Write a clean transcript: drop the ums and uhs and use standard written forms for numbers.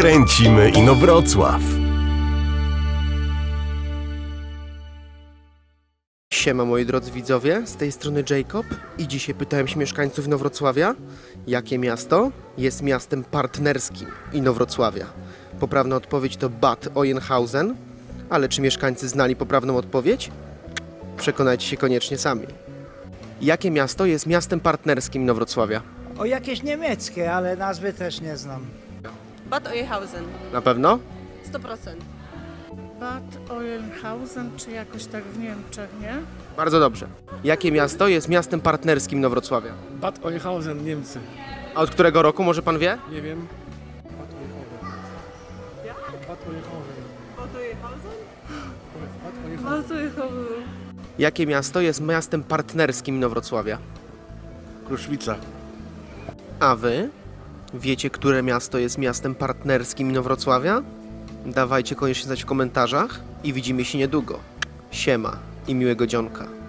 Kręcimy Inowrocław. Siema moi drodzy widzowie, z tej strony Jacob i dzisiaj pytałem się mieszkańców Inowrocławia, jakie miasto jest miastem partnerskim Inowrocławia. Poprawna odpowiedź to Bad Oeynhausen, ale czy mieszkańcy znali poprawną odpowiedź? Przekonajcie się koniecznie sami. Jakie miasto jest miastem partnerskim Inowrocławia? O, jakieś niemieckie, ale nazwy też nie znam. Bad Oeynhausen, Na pewno? 100%. Bad Oeynhausen, czy jakoś tak w Niemczech, nie? Bardzo dobrze. Jakie miasto jest miastem partnerskim Inowrocławia? Bad Oeynhausen, Niemcy. A od którego roku, może pan wie? Nie wiem. Bad Oeynhausen. Bad Oeynhausen. Bad Oeynhausen? Bad Oeynhausen. Bad Oeynhausen. Jakie miasto jest miastem partnerskim Inowrocławia? Kruszwica. A wy? Wiecie, które miasto jest miastem partnerskim Inowrocławia? Dawajcie koniecznie znać w komentarzach i widzimy się niedługo. Siema i miłego dzionka.